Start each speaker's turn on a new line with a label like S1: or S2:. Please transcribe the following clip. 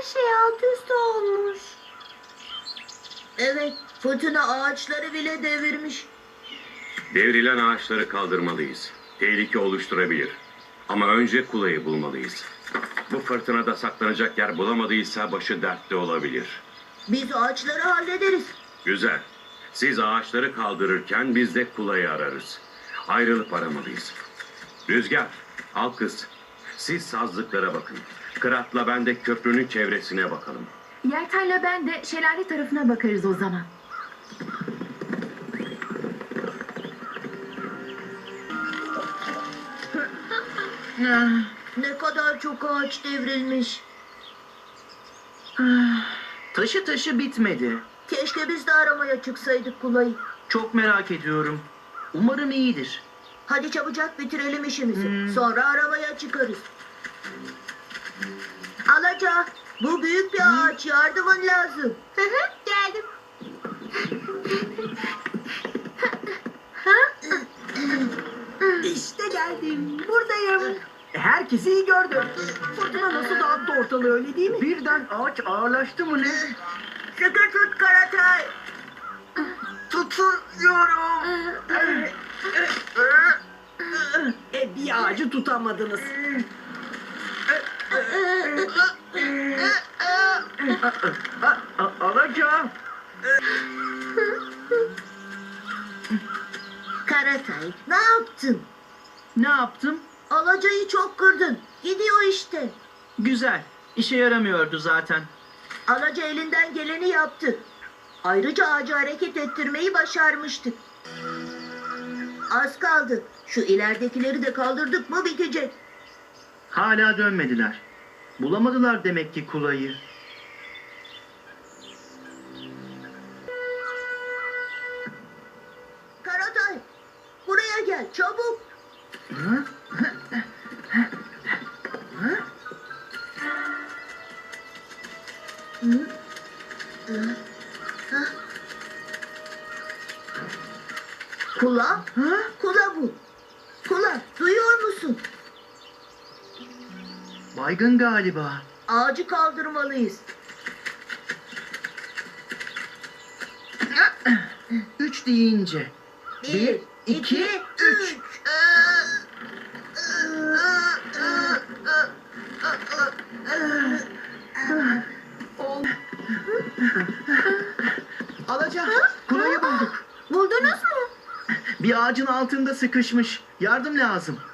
S1: şey alt üst olmuş.
S2: Evet, fırtına ağaçları bile devirmiş.
S3: Devrilen ağaçları kaldırmalıyız. Tehlike oluşturabilir. Ama önce kulayı bulmalıyız. Bu fırtınada saklanacak yer bulamadıysa başı dertte olabilir.
S2: Biz ağaçları hallederiz.
S3: Güzel. Siz ağaçları kaldırırken biz de kulayı ararız. Ayrılıp aramalıyız. Rüzgar, al kız. Siz sazlıklara bakın. Kırat'la ben de köprünün çevresine bakalım.
S1: Yelten'le ben de şelale tarafına bakarız o zaman.
S2: Ne kadar çok ağaç devrilmiş.
S4: Taşı bitmedi.
S2: Keşke biz de aramaya çıksaydık kulayı.
S4: Çok merak ediyorum. Umarım iyidir.
S2: Hadi çabucak bitirelim işimizi. Sonra aramaya çıkarız. Alaca, bu büyük bir ağaç. Yardımın lazım.
S1: Geldim.
S5: İşte geldim. Buradayım. Herkesi iyi gördüm. Fırtına nasıl dağıttı ortalığı, öyle değil mi? Birden ağaç ağırlaştı mı ne?
S2: Sıkı tut Karatay.
S5: Tutuyorum. Bir ağacı tutamadınız. Alacağım.
S2: Karatay, ne yaptın?
S4: Ne yaptım?
S2: Alacayı çok kırdın. Gidiyor işte.
S4: Güzel. İşe yaramıyordu zaten.
S2: Alaca elinden geleni yaptı. Ayrıca ağacı hareket ettirmeyi başarmıştık. Az kaldı. Şu ileridekileri de kaldırdık mı bitecek.
S4: Hala dönmediler. Bulamadılar demek ki kulayı.
S2: Karatay, buraya gel çabuk. Kula? Kula bu. Kula, duyuyor musun?
S4: Baygın galiba.
S2: Ağacı kaldırmalıyız.
S4: 3 deyince.
S2: Bir, iki, üç.
S4: Alaca, kulayı bulduk.
S1: Buldunuz mu?
S4: Bir ağacın altında sıkışmış. Yardım lazım.